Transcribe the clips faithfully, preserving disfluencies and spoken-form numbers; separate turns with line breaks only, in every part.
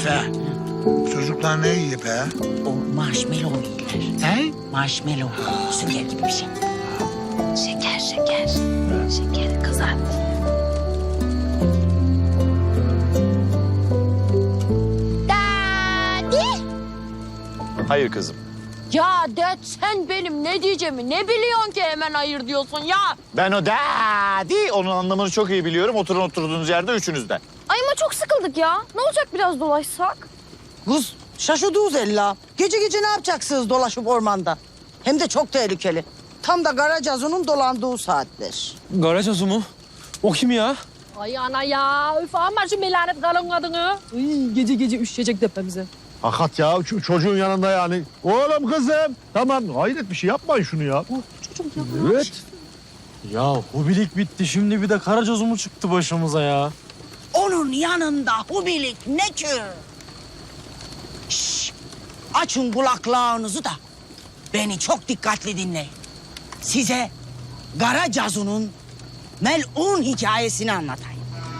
Neyse. Çocuklar ne yiyor be?
O marshmallow yediler.
Ne?
Marshmallow. Sünger gibi bir şey. Şeker, şeker. Şeker kızart.
Daddy.
Hayır kızım.
Ya dad sen benim ne diyeceğimi ne biliyorsun ki hemen hayır diyorsun ya.
Ben o daddy, onun anlamını çok iyi biliyorum. Oturun oturduğunuz yerde üçünüzden.
Ay ama çok sıkıldık ya. Ne olacak biraz dolaşsak?
Kız şaşırdınız ella. Gece gece ne yapacaksınız dolaşıp ormanda? Hem de çok tehlikeli. Tam da Karacazu'nun dolandığı saatler.
Garacazu mu? O kim ya?
Ay ana ya. Üf ama şu melanet kalın kadını. Ay, gece gece üşüyecek tepemize.
Hakikat ya şu çocuğun yanında yani. Oğlum kızım. Tamam hayret bir şey yapmayın şunu ya.
Çocuk ya.
Evet.
Ya hubilik bitti. Şimdi bir de Karacazu mu çıktı başımıza ya?
Onun yanında hubilik ne ki? Şşş! Açın kulaklarınızı da beni çok dikkatli dinleyin. Size Karacazu'nun melun hikayesini anlatayım.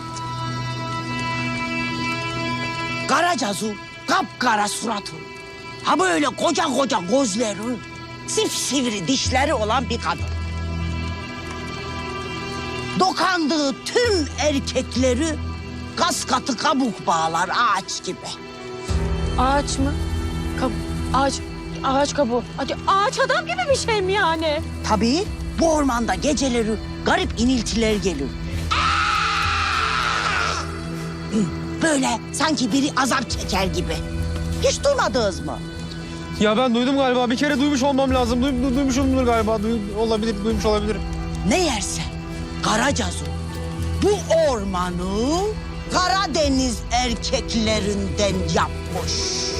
Karacazu kapkara suratı, ha böyle koca koca gözleri, sivri dişleri olan bir kadın. Dokandığı tüm erkekleri kas katı kabuk bağlar ağaç gibi.
Ağaç mı? Kab ağaç. Ağaç kabuğu. Hadi ağaç adam gibi bir şey mi yani?
Tabii bu ormanda geceleri garip iniltiler gelir. Böyle sanki biri azap çeker gibi. Hiç duymadınız mı?
Ya ben duydum galiba. Bir kere duymuş olmam lazım. Duy, du- duymuşumdur galiba. Duy, olabilir, duymuş olabilirim.
Ne yerse Karacazu bu ormanı Karadeniz erkeklerinden yapmış.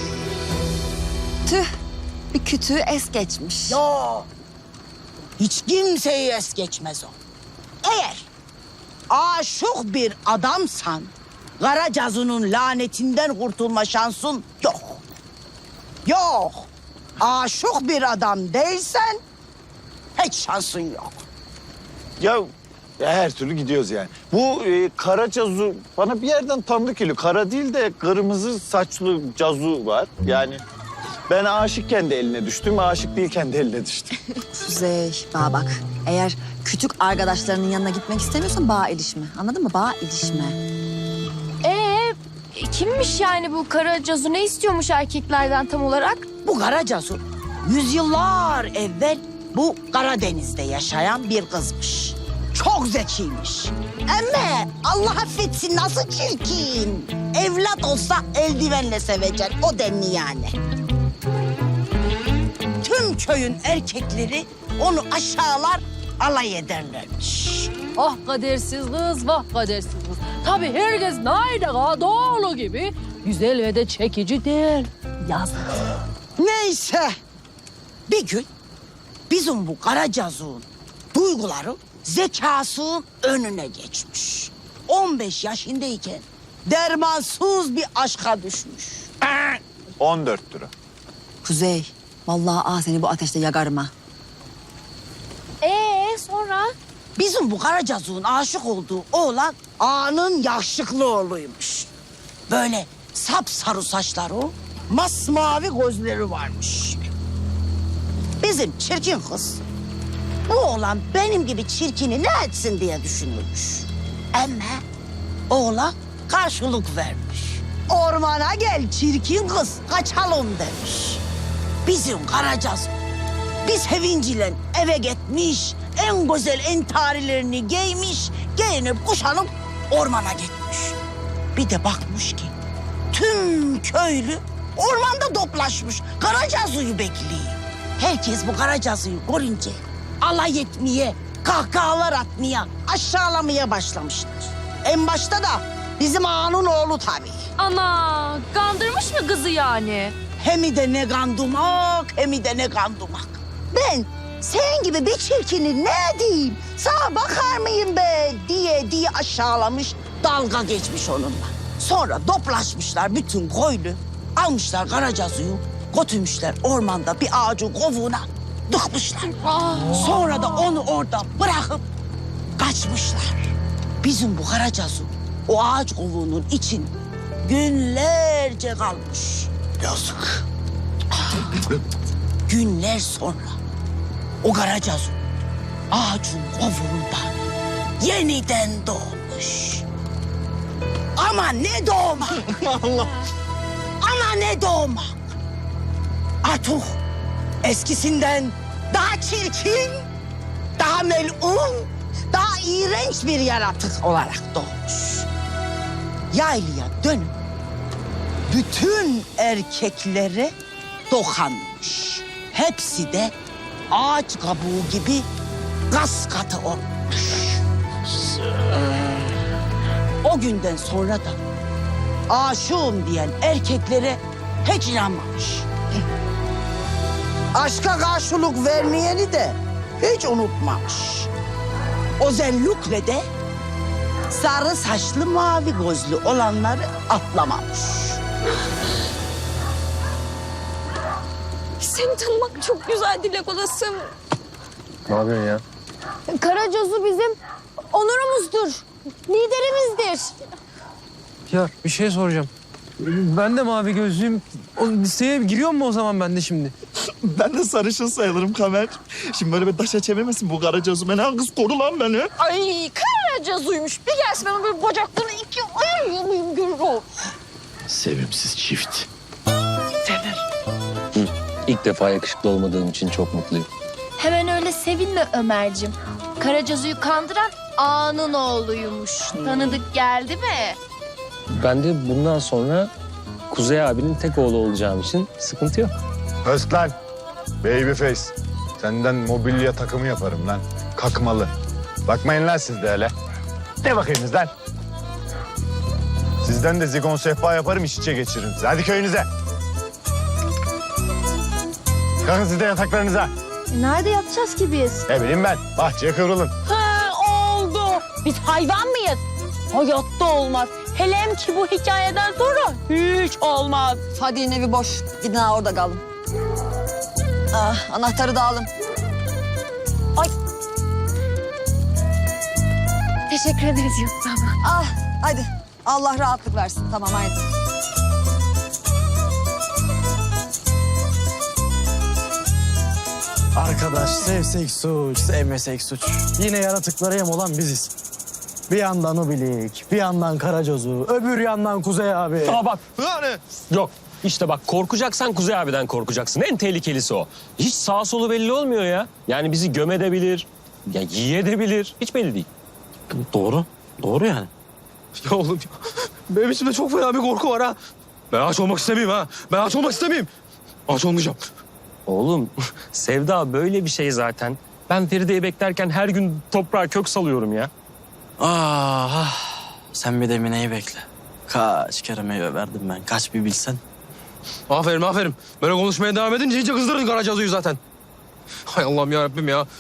Tüh, bir kütüğü es geçmiş.
Yo, hiç kimseyi es geçmez o. Eğer aşık bir adamsan Karacazu'nun lanetinden kurtulma şansın yok. Yok. Aşık bir adam değilsen hiç şansın yok.
Ya her türlü gidiyoruz yani. Bu e, kara cazu bana bir yerden tanıdık geliyor. Kara değil de kırmızı saçlı cazu var. Yani ben aşıkken de eline düştüm, aşık değilken de eline düştüm.
Kuzey, bana bak. Eğer küçük arkadaşlarının yanına gitmek istemiyorsan bağa ilişme. Anladın mı? Bağa ilişme.
Ee, kimmiş yani bu Karacazu? Ne istiyormuş erkeklerden tam olarak?
Bu Karacazu yüzyıllar evvel bu Karadeniz'de yaşayan bir kızmış. Çok zekiymiş. Ama Allah affetsin nasıl çirkin. Evlat olsa eldivenle sevecek o denli yani. Tüm köyün erkekleri onu aşağılar alay ederlermiş.
Ah kadersiz kız, vah kadersiz kız. Tabii herkes Naide doğulu gibi güzel ve de çekici değil. Yazık.
Neyse. Bir gün bizim bu Karacazu'nun duyguları zekasının önüne geçmiş. on beş yaşındayken dermansız bir aşka düşmüş.
on dört lira.
Kuzey, vallahi ah seni bu ateşte yakarım ha.
Ee sonra?
Bizim bu Karacazu'nun aşık olduğu oğlan ağanın yakışıklı oğluymuş. Böyle sapsarı saçları, masmavi gözleri varmış. Bizim çirkin kız, bu oğlan benim gibi çirkini ne etsin diye düşünürmüş. Ama oğlan karşılık vermiş. Ormana gel çirkin kız, kaçalım demiş. Bizim Karacazu bir sevinciyle eve gitmiş, en güzel entarilerini giymiş, giyinip kuşanıp ormana gitmiş. Bir de bakmış ki tüm köylü ormanda toplaşmış, Karacazu'yu bekliyor. Herkes bu Karacazu'yu görünce alay etmeye, kahkahalar atmaya, aşağılamaya başlamışlar. En başta da bizim ağanın oğlu tabii.
Ana kandırmış mı kızı yani?
Hem de ne kandumak, hem de ne kandumak. Ben sen gibi bir çirkini ne diyeyim, sana bakar mıyım be diye diye aşağılamış, dalga geçmiş onunla. Sonra toplaşmışlar bütün köylü, almışlar Karacazu'yu, götürmüşler ormanda bir ağacın kovuğuna dıkmışlar. Sonra da onu orada bırakıp kaçmışlar. Bizim bu Karacazu o ağaç kovuğunun için günler günlerce kalmış.
Yazık.
Günler sonra o Karacazu ağacın kovuğundan yeniden doğmuş. Ama ne doğmak. Allah. Ama ne doğmak. Artık eskisinden daha çirkin, daha melun, daha iğrenç bir yaratık olarak doğmuş. Yaylıya dönüp bütün erkeklere dokanmış. Hepsi de ağaç kabuğu gibi gaz katı olmuş. O günden sonra da aşığım diyen erkeklere hiç inanmamış. Aşka karşılık vermeyeni de hiç unutmamış. Özellikle de sarı saçlı mavi gözlü olanları atlamamış.
Seni tanımak çok güzel Dilek Olasım.
Ne yapıyorsun ya?
Karacazu bizim onurumuzdur, liderimizdir.
Ya bir şey soracağım. Ben de mavi gözlüyüm. O listeye giriyor mu o zaman ben de şimdi?
Ben de sarışın sayılırım Kamer. Şimdi böyle bir taşa çevirmesin bu Karacazu. Beni kız koru lan beni.
Ay Karacazuymuş. Bir gelsin ben böyle bacaklarını ikiye ayırıyor muyum görür o.
Sevimsiz çift. İlk defa yakışıklı olmadığım için çok mutluyum.
Hemen öyle sevinme Ömer'cim. Karacazu'yu kandıran ağanın oğluymuş. Tanıdık geldi mi?
Ben de bundan sonra Kuzey abinin tek oğlu olacağım için sıkıntı yok.
Özlan. Babyface. Senden mobilya takımı yaparım lan. Kakmalı. Bakmayın lan siz de öyle. Ne bakıyorsunuz lan? Sizden de zigon sehpa yaparım, iç içe geçiririm sizi. Hadi köyünüze. Kalkın siz de yataklarınıza.
Nerede yatacağız ki biz?
Ne bileyim ben. Bahçeye kıvrılın.
Ha oldu. Biz hayvan mıyız? Hayatta olmaz. Hele hem ki bu hikayeden sonra hiç olmaz.
Fadi'nin evi boş. Gidin ha orada kalın. Ah, anahtarı da alın.
Teşekkür ederiz Yusuf abla.
Ah, hadi. Allah rahatlık versin. Tamam, haydi.
Arkadaş sevsek suç, sevmesek suç. Yine yaratıklara yem olan biziz. Bir yandan Ubilik, bir yandan Karacazu, öbür yandan Kuzey abi.
Aa bak. Yani. Yok. İşte bak korkacaksan Kuzey abiden korkacaksın. En tehlikelisi o. Hiç sağ solu belli olmuyor ya. Yani bizi gömedebilir, ya yiyedebilir. Hiç belli değil.
Doğru, doğru yani.
Ya oğlum ya. Benim içimde çok fena bir korku var ha. Ben aç olmak istemeyeyim ha. Ben aç olmak istemeyeyim. Aç olmayacağım.
Oğlum sevda böyle bir şey zaten. Ben Feride'yi beklerken her gün toprağa kök salıyorum ya.
Ah, ah. Sen bir de Mine'yi bekle. Kaç kere meyve verdim ben, kaç bir bilsen.
Aferin aferin. Böyle konuşmaya devam edince iyice kızdırdın Karacazu'yu zaten. Hay Allah'ım ya Rabbim ya.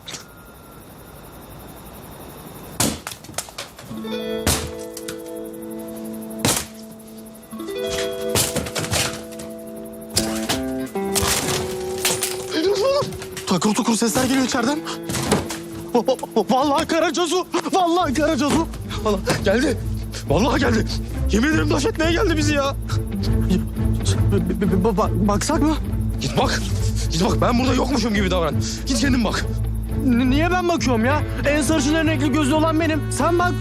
Takır tukur sesler geliyor içeriden. Vallahi Karacazu, vallahi Karacazu.
Vallahi geldi. Vallahi geldi. Yemin ederim taş etmeye geldi bizi ya.
B- b- b- bak- baksak mı?
Git bak. Git bak ben burada yokmuşum gibi davran. Git kendin bak.
N- niye ben bakıyorum ya? En sarışın en renkli gözlü olan benim. Sen bak.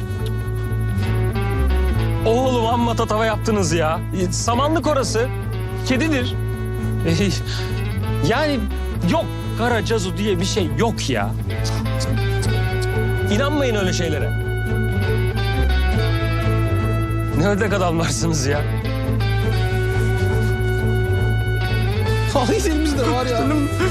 Oğlum amma tatava yaptınız ya. Samanlık orası. Kedidir. Yani yok Karacazu diye bir şey yok ya. İnanmayın öyle şeylere. Ne ördek adamlarsınız ya.
Vallahi elimizde var ya.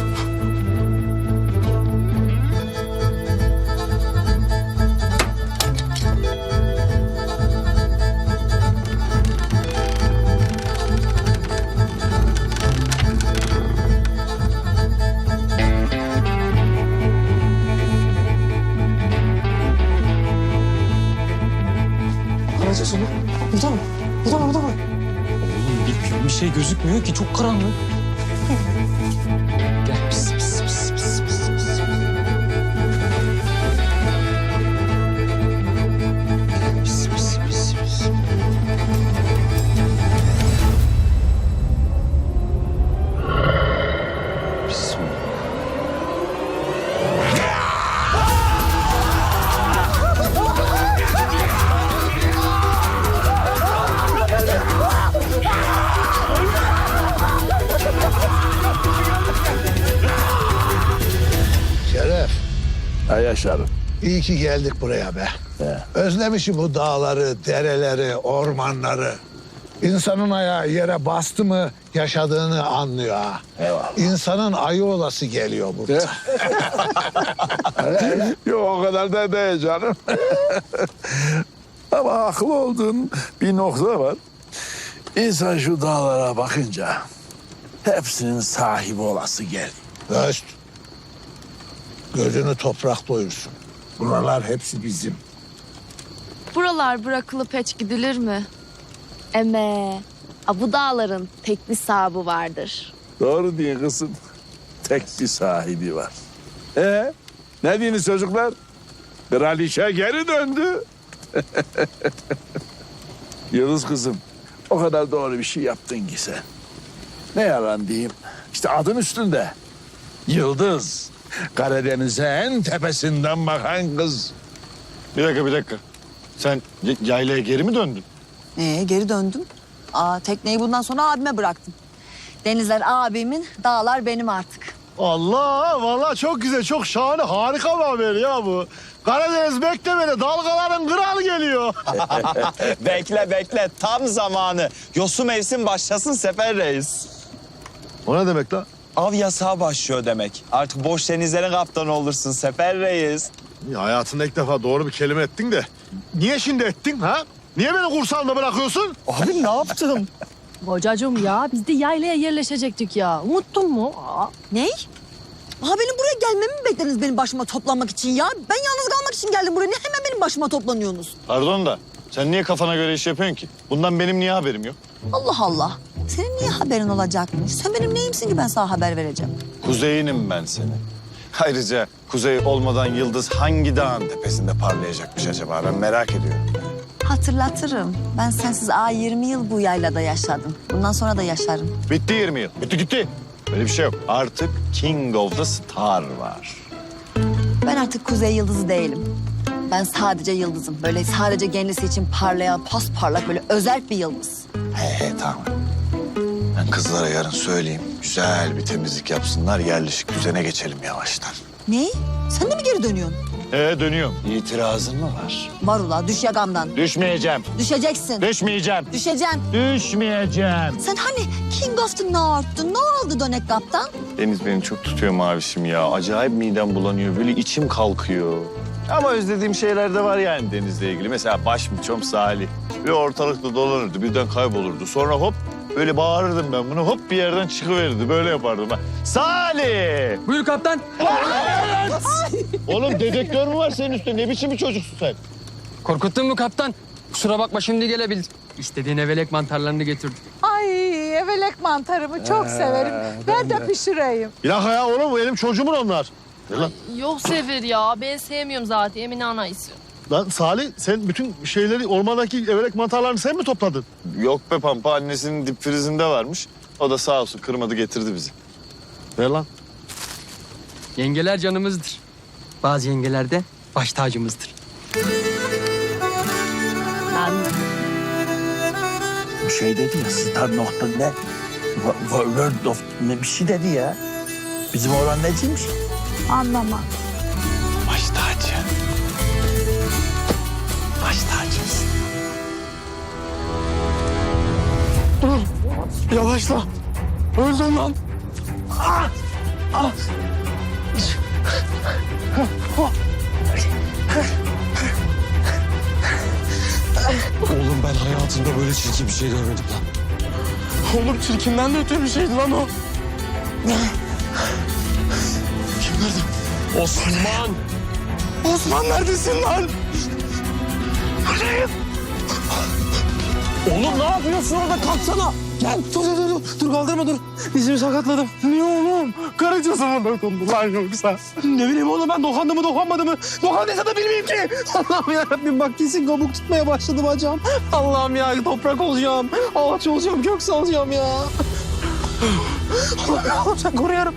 Karacazu mu? Burada mı? Burada mı? Burada mı?
Oğlum bir, bir şey gözükmüyor ki çok karanlık. Gel pis pis pis pis pis pis. Pis pis pis pis.
başlarım.
İyi ki geldik buraya be. Özlemişim bu dağları, dereleri, ormanları. İnsanın ayağı yere bastı mı yaşadığını anlıyor ha.
Eyvallah.
İnsanın ayı olası geliyor burada.
Yok o kadar da değil canım. Ama haklı olduğun bir nokta var. İnsan şu dağlara bakınca hepsinin sahibi olası geliyor.
Öst. Gözünü toprak doyursun. Buralar hepsi bizim.
Buralar bırakılıp hiç gidilir mi? Eme, a bu dağların tek bir sahibi vardır.
Doğru diye kızım. Tek bir sahibi var. Ee, ne diyorsunuz çocuklar? Kraliçe geri döndü. Yıldız kızım, o kadar doğru bir şey yaptın ki sen. Ne yalan diyeyim. İşte adın üstünde. Yıldız. Karadeniz'e en tepesinden bakan kız.
Bir dakika bir dakika. Sen y- yaylaya geri mi döndün?
Ee, geri döndüm. Aa, tekneyi bundan sonra abime bıraktım. Denizler abimin, dağlar benim artık.
Allah vallahi çok güzel, çok şahane, harika bir haber ya bu. Karadeniz beklemede dalgaların kralı geliyor.
Bekle bekle tam zamanı. Yosu mevsim başlasın Sefer Reis.
O ne demek lan?
Av yasağı başlıyor demek. Artık boş denizlerin kaptanı olursun Sefer Reis.
Ya hayatında ilk defa doğru bir kelime ettin de. Niye şimdi ettin ha? Niye beni kursağında bırakıyorsun?
Abi ne yaptım?
Kocacığım ya biz de yaylaya yerleşecektik ya. Unuttun mu? Aa,
Ney? Aa, benim buraya gelmemi mi beklediniz benim başıma toplanmak için ya? Ben yalnız kalmak için geldim buraya. Ne hemen benim başıma toplanıyorsunuz?
Pardon da sen niye kafana göre iş yapıyorsun ki? Bundan benim niye haberim yok?
Allah Allah. Senin niye haberin olacakmış? Sen benim neyimsin ki ben sana haber vereceğim?
Kuzeyinim ben senin. Ayrıca kuzey olmadan yıldız hangi dağın tepesinde parlayacakmış acaba? Ben merak ediyorum.
Hatırlatırım. Ben sensiz aa yirmi yıl bu yaylada yaşadım. Bundan sonra da yaşarım.
Bitti yirmi yıl. Bitti gitti. Öyle bir şey yok. Artık King of the Star var.
Ben artık kuzey yıldızı değilim. Ben sadece yıldızım. Böyle sadece kendisi için parlayan, pasparlak böyle özel bir yıldız.
He he tamam. Ben kızlara yarın söyleyeyim. Güzel bir temizlik yapsınlar. Yerleşik düzene geçelim yavaştan.
Ne? Sen de mi geri dönüyorsun?
Ee dönüyorum. İtirazın mı var?
Var ula düş yagamdan.
Düşmeyeceğim.
Düşeceksin.
Düşmeyeceğim.
Düşeceksin.
Düşmeyeceğim.
Sen hani King of the North'tun. Ne oldu dönek kaptan?
Deniz beni çok tutuyor mavişim ya. Acayip midem bulanıyor. Böyle içim kalkıyor. Ama özlediğim şeyler de var yani denizle ilgili. Mesela başmiçom Salih. Ve ortalıkta dolanırdı. Birden kaybolurdu. Sonra hop böyle bağırırdım ben bunu. Hop bir yerden çıkıverirdi. Böyle yapardım ben. Salih!
Buyur kaptan.
Oğlum dedektör mü var senin üstünde? Ne biçim bir çocuksun sen?
Korkuttun mu kaptan? Kusura bakma şimdi gelebildim. İstediğin evelek mantarlarını getirdim.
Ay evelek mantarımı çok severim. Ben de pişireyim.
Bir dakika ya oğlum benim çocuğumun onlar. Ver lan.
yok Sefer ya ben sevmiyorum zaten Emine ana istiyor.
Lan Salih sen bütün şeyleri ormandaki evelek mantarlarını sen mi topladın?
Yok be Pampa annesinin dip frizinde varmış. O da sağ olsun kırmadı getirdi bizi.
Ver lan.
Yengeler canımızdır. Bazı yengeler de baş tacımızdır.
Bir şey dedi ya, star nokta ne? Wo- World of ne bir şey dedi ya. Bizim oğlan neciymiş?
Anlamam.
Baş tacı. Baş tacımız.
Yavaşla. Öldüm lan.
Oğlum ben hayatımda böyle çirkin bir şey görmedim lan.
Oğlum çirkinden de öte bir şeydi lan o. Kim nerede?
Osman!
Osman neredesin lan?
Oğlum ne yapıyorsun orada? Kalksana!
Gel dur dur dur. Dur kaldırma dur. Dizimi sakatladım. Niye oğlum? Karıncası mı dokundu lan yoksa? Ne bileyim oğlum ben dokandı mı dokanmadı mı? Dokandıysa da bilmeyeyim ki. Allah'ım yarabbim bak kesin kabuk tutmaya başladı bacağım. Allah'ım ya toprak olacağım. Ağaç olacağım, gökse olacağım ya. Allah'ım sen koru yarabbim.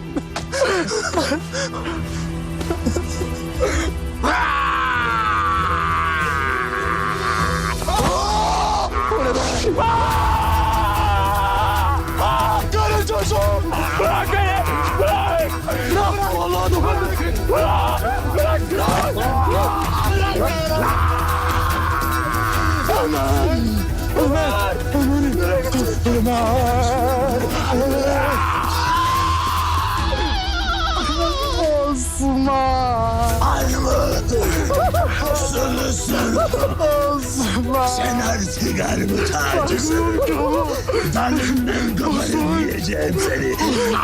Karın çocuğum! Bırak beni! Bırak! Bırak! Vallahi dokundu! Bırak! Bırak! Bırak!
Ömer! Ömer! Ömer! Ömer! Osman! Armut! Sulusun! Osman! Sen artık armut ağacısın. Dalından kafanı yiyeceğim seni.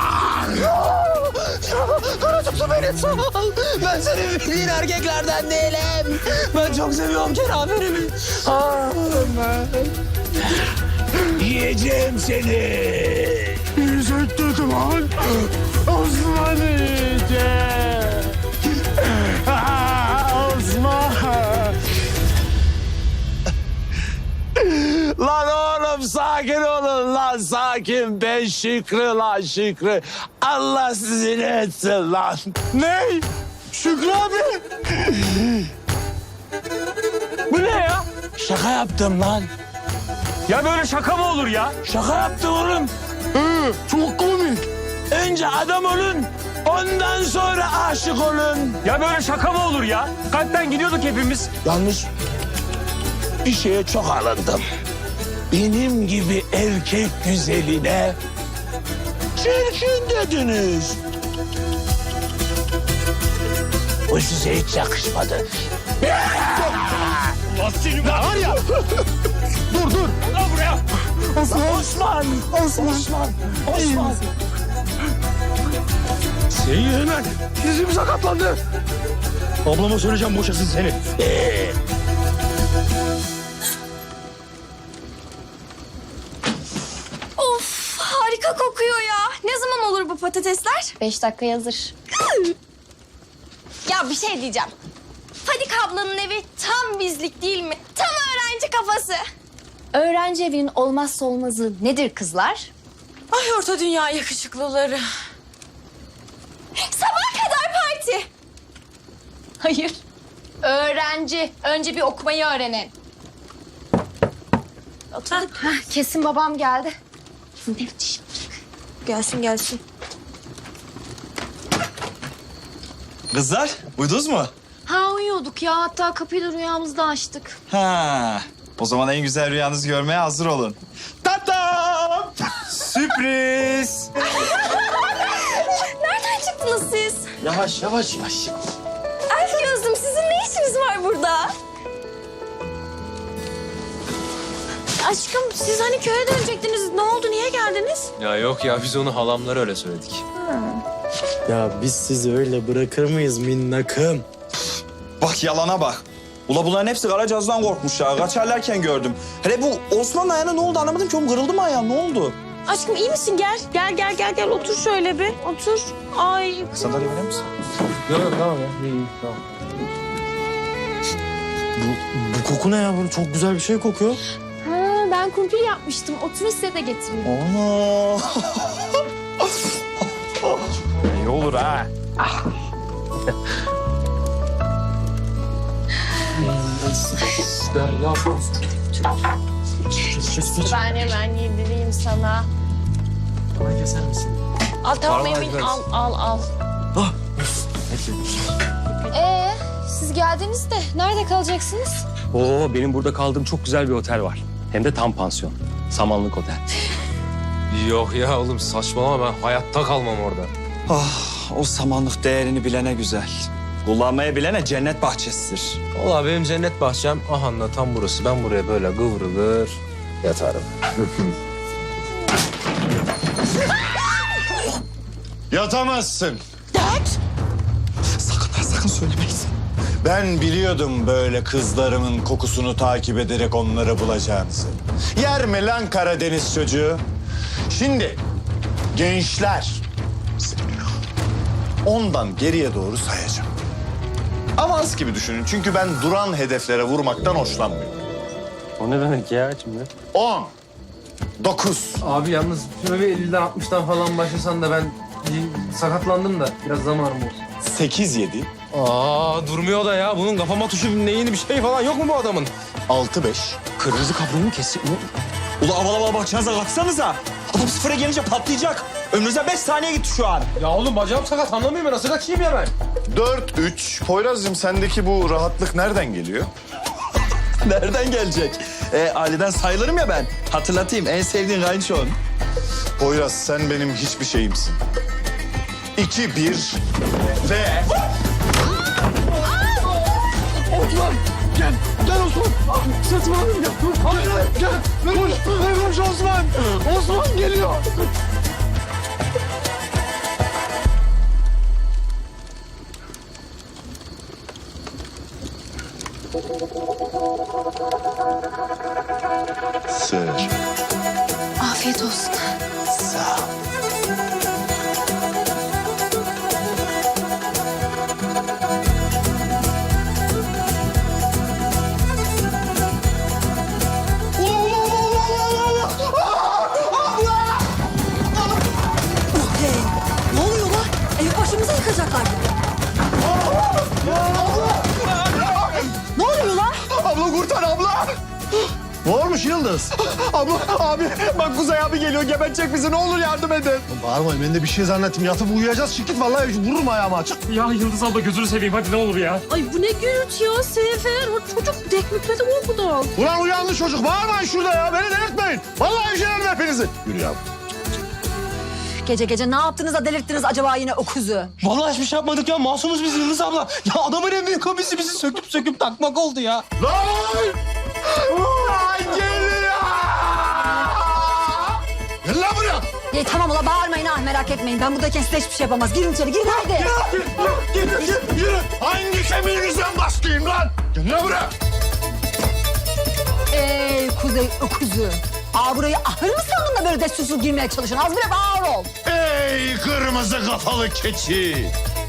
Karacası beni sal. Ben senin bildiğin erkeklerden değilim. Ben çok seviyorum kenaferimi.
Yiyeceğim seni.
Yiyecek dedim lan. Osman yiyecek. Osman.
Lan oğlum sakin olun lan sakin. Ben Şükrü lan Şükrü. Allah sizi ne etsin lan.
Ne? Şükrü abi.
Bu ne ya?
Şaka yaptım lan.
Ya böyle şaka mı olur ya?
Şaka yaptım oğlum.
Ee, çok komik.
Önce adam olun. Ondan sonra aşık olun.
Ya böyle şaka mı olur ya? Kalpten gidiyorduk hepimiz.
Yalnız bir şeye çok alındım. Benim gibi erkek güzeline çirkin dediniz. Bu size hiç yakışmadı.
Var ya. Dur dur.
Lan buraya. Osman. Osman.
Osman.
Osman. Osman.
Seni hemen. Dizim sakatlandı. Ablama söyleyeceğim boşasın seni.
Ee,
Of harika kokuyor ya. Ne zaman olur bu patatesler?
Beş dakika hazır.
Ya bir şey diyeceğim. Fadik ablanın evi tam bizlik değil mi? Tam öğrenci kafası.
Öğrenci evinin olmazsa olmazı nedir kızlar?
Ay orta dünya yakışıklıları.
Sabah kadar parti.
Hayır. Öğrenci. Önce bir okumayı öğrenin. Oturduk. Hah, kesin babam geldi. Ne biçim?
Gelsin gelsin.
Kızlar, uyudunuz mu?
Ha uyuyorduk ya. Hatta kapıyı da rüyamızda açtık.
Ha. O zaman en güzel rüyanızı görmeye hazır olun. Tatam! Sürpriz!
Nereden çıktınız siz?
Yavaş, yavaş, yavaş.
Elf gözlüm sizin ne işiniz var burada?
Aşkım siz hani köye dönecektiniz. Ne oldu? Niye geldiniz?
Ya yok ya biz onu halamlara öyle söyledik.
Ya biz sizi öyle bırakır mıyız minnakım?
Bak yalana bak. Ula bunların hepsi Karacaz'dan korkmuş ya. Kaçarlarken gördüm. Hele bu Osman'ın ayağına ne oldu anlamadım ki. Oğlum kırıldı mı ayağın? Ne oldu?
Aşkım iyi misin? Gel. Gel gel gel gel. Otur şöyle bir. Otur. Ay.
Sandalye verir misin?
Yok yok tamam ya. İyi, iyi, tamam. Bu, bu koku ne ya? Böyle çok güzel bir şey kokuyor.
Ha, ben kumpir yapmıştım. Oturun size de getireyim.
Oo. İyi olur ha.
Ben hemen yedireyim sana.
Bana keser misin?
Al tamam
Parmağı
Emin.
ver.
Al al al.
Ee, siz geldiniz de nerede kalacaksınız?
Oo benim burada kaldığım çok güzel bir otel var. Hem de tam pansiyon. Samanlık Otel.
Yok ya oğlum saçmalama ben hayatta kalmam orada.
Ah, o samanlık değerini bilene güzel. Kullanmayı bilene cennet bahçesidir.
Valla benim cennet bahçem ahanda tam burası. Ben buraya böyle kıvrılır yatarım.
Yatamazsın.
Sakın ha sakın söylemeyin.
Ben biliyordum böyle kızlarımın kokusunu takip ederek onları bulacağınızı. Yer mi lan Karadeniz çocuğu? Şimdi gençler ondan geriye doğru sayacağım. Avans gibi düşünün çünkü ben duran hedeflere vurmaktan hoşlanmıyorum.
O ne demek ya şimdi?
On, dokuz,
Abi yalnız şöyle bir elliden altmıştan falan başlasan da ben bir sakatlandım da biraz zamanım olsun.
sekiz, yedi,
Aa durmuyor da ya. Bunun kafama tuşu neyini bir şey falan yok mu bu adamın?
altı, beş.
Kırmızı kabloyu mu kestik? Ula aval aval bakacağınıza baksanıza. Adam sıfıra gelince patlayacak. Ömrünüzden beş saniye gitti şu an.
Ya oğlum bacağım sakat anlamıyorum ben. Nasıl kaçayım ya ben?
Dört, üç. Poyraz'cığım sendeki bu rahatlık nereden geliyor?
Nereden gelecek? E, aileden sayılırım ya ben. Hatırlatayım en sevdiğin kayınçon.
Poyraz sen benim hiçbir şeyimsin. İki, bir ve...
Osman gel. Gel Osman. Sırtıma alayım gel. Gel. Gel. Koş. Koş Osman. Osman geliyor.
Sır.
Afiyet olsun.
Sağ ol.
Ne oluyor lan? Evi başımıza yıkacaklar. Ne oluyor lan?
Abla kurtar abla. Ne olmuş Yıldız? Abla abi bak Kuzey abi geliyor gebedecek bizi ne olur yardım edin. Bağırmayın ben de bir şey zannettim yatıp uyuyacağız şirket vallahi vururum ayağımı açık.
Ya Yıldız abla gözünü seveyim hadi ne olur ya.
Ay bu ne gürültü ya Sefer. O çocuk dekmükledi okudan.
Ulan uyandı çocuk bağırmayın şurada ya beni delirtmeyin. Vallahi üflerim hepinizi. Yürü ya.
Gece gece ne yaptınız da delirttiniz acaba yine o kuzu?
Vallahi hiçbir şey yapmadık ya. Masumuz biz Yıldız abla. Ya adamın en büyük hobisi bizi söküp söküp takmak oldu ya.
Lan! Ulan geliyor! Gel lan buraya!
İyi tamam ula bağırmayın ha merak etmeyin. Ben buradayken size hiçbir şey yapamaz. Girin içeri girin haydi.
Yürü, yürü, yürü, yürü. Hangi kemiğinizden bastayım lan? Gel lan buraya!
Ey kuzey öküzü. Aa burayı ahır mı sandın da böyle destursuz girmeye çalışıyorsun? Az bile bağır ol.
Ey kırmızı kafalı keçi!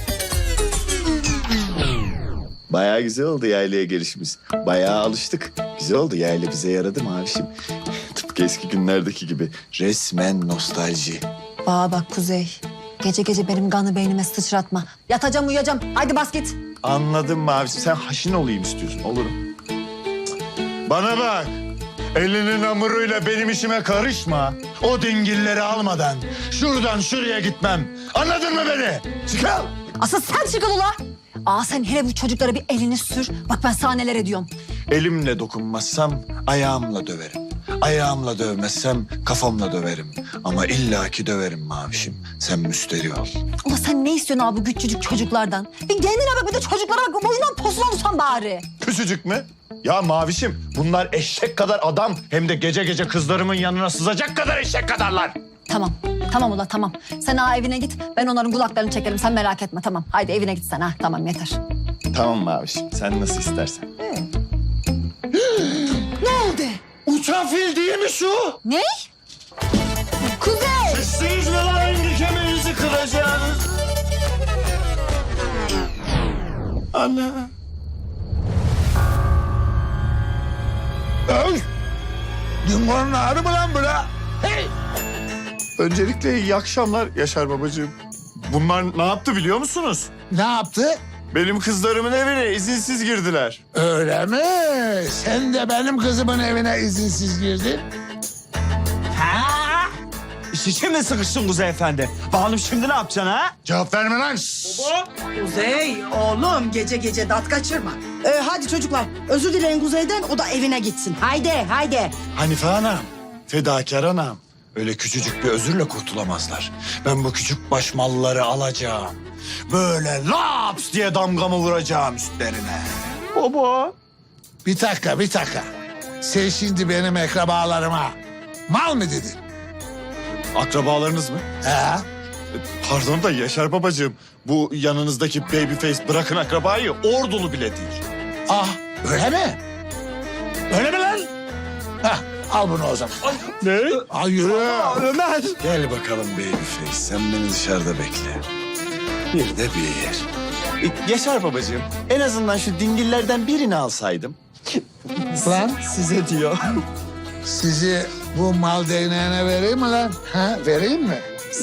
Bayağı güzel oldu yaylaya gelişimiz. Bayağı alıştık. Güzel oldu yayla bize yaradı mavişim. Tıpkı eski günlerdeki gibi. Resmen nostalji.
Bana bak Kuzey. Gece gece benim kanı beynime sıçratma. Yatacağım uyuyacağım. Haydi bas git.
Anladım mavişim. Sen haşin olayım istiyorsun. Olurum.
Bana bak. Elinin hamuruyla benim işime karışma. O dingilleri almadan şuradan şuraya gitmem. Anladın mı beni? Çıkal.
Asıl sen çıkıl ula. Aa sen hele bu çocuklara bir elini sür. Bak ben sana neler ediyorum.
Elimle dokunmazsam ayağımla döverim. Ayağımla dövmezsem kafamla döverim. Ama illaki döverim mavişim. Sen müsterih ol.
Ula sen ne istiyorsun abi bu küçücük çocuklardan? Bir kendine bak bir de çocuklara bak. Boyundan posuna utan bari.
Küçücük mü? Ya mavişim bunlar eşek kadar adam. Hem de gece gece kızlarımın yanına sızacak kadar eşek kadarlar.
Tamam. Tamam ula tamam. Sen ha evine git. Ben onların kulaklarını çekerim. Sen merak etme tamam. Haydi evine git sen ha. Tamam yeter.
Tamam mavişim. Sen nasıl istersen.
Ne oldu?
Uçan fil değil mi şu?
Ne? Kuzey!
Sizsiniz mi lan hangi kemiğinizi kıracağınız? Ana.
Öy! Dingo'nun ağrı mı lan bu la? Hey!
Öncelikle iyi akşamlar Yaşar babacığım. Bunlar ne yaptı biliyor musunuz?
Ne yaptı?
Benim kızlarımın evine izinsiz girdiler.
Öyle mi? Sen de benim kızımın evine izinsiz girdin.
Ha? İş için mi sıkıştın Kuzey Efendi? Bakalım şimdi ne yapacaksın ha?
Cevap verme lan.
Kuzey oğlum gece gece dat kaçırma. Ee, hadi çocuklar özür dileyin Kuzey'den o da evine gitsin. Haydi haydi.
Hanife anam, fedakar anam. Öyle küçücük bir özürle kurtulamazlar. Ben bu küçük baş malları alacağım. Böyle laps diye damgamı vuracağım üstlerine.
Baba. Bir dakika, bir dakika. Sen şimdi benim akrabalarıma mal mı dedin?
Akrabalarınız mı?
He?
Pardon da Yaşar babacığım. Bu yanınızdaki babyface bırakın akrabayı ordulu bile değil.
Ah, öyle mi? Öyle mi lan? Heh, al bunu o zaman.
Ne?
Al yürü.
Ömer. Gel bakalım babyface. Sen beni dışarıda bekle. Bir de bir.
E, Yaşar babacığım, en azından şu dingillerden birini alsaydım.
Lan
Size diyor.
sizi bu mal değneğine vereyim mi lan? Ha, vereyim mi?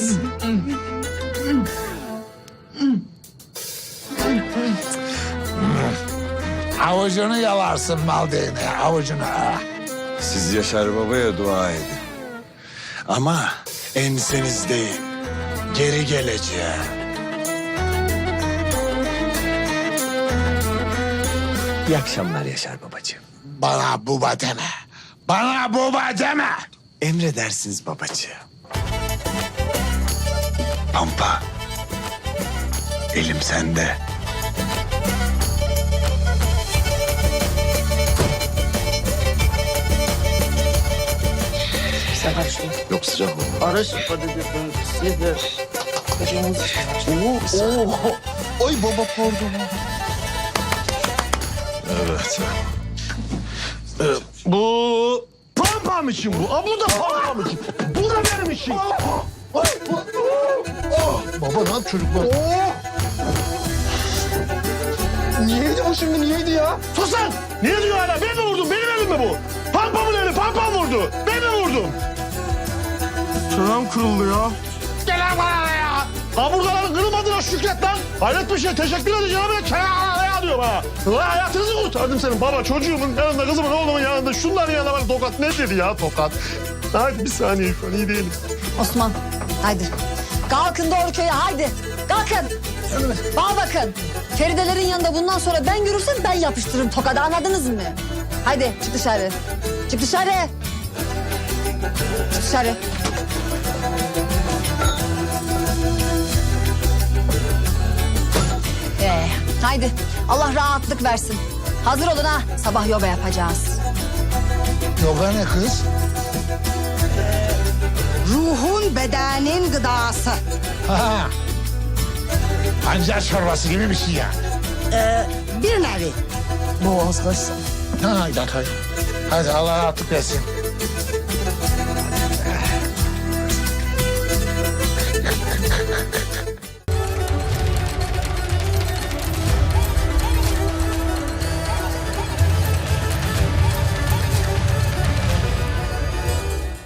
Avucunu yalarsın mal değneği, avucunu. Ah.
Siz Yaşar babaya dua edin. Ama ensenizdeyim. Geri geleceğim.
İyi akşamlar Yaşar babacığım.
Bana buba deme. Bana baba deme.
Emredersiniz babacığım.
Pampa. Elim sende.
Sen karışma.
Yok sıcak oldu.
Karışma dedi. Sizi. Oo, oo.
Oy baba pardon.
Evet.
Bu pampam için bu. Aa, bu da pampam için. Bu da benim için. Baba ne yap çocuklar? Niyeydi bu şimdi niyeydi ya? Sus lan! Niye diyor hala? Ben mi vurdum? Benim elim mi bu? Pampamın eli, pampam vurdu. Ben mi vurdum? Çenem kırıldı ya. Gel lan bana ya! Kaburgaların kırılmadığına şükret lan. Hayret bir şey. Teşekkür edeceğim ama çenem ya diyorum ha. Ulan hayatınızı kurtardım senin baba. Çocuğumun yanında, kızımın, oğlumun yanında. Şunların yanında bak tokat. Ne dedi ya tokat? Hadi bir saniye şu an iyi değilim.
Osman haydi. Kalkın doğru köye haydi. Kalkın. Bana bakın. Feridelerin yanında bundan sonra ben görürsem ben yapıştırırım tokadı anladınız mı? Haydi çık dışarı. Çık dışarı. Çık dışarı. Ee, haydi Allah rahatlık versin. Hazır olun ha sabah yoga yapacağız.
Yoga ne kız?
Ruhun bedenin gıdası.
Ha. Pancar çorbası gibi bir şey yani.
Ee, bir nevi.
Boğaz kaçsın. Ha, hadi hadi. Hadi Allah rahatlık versin.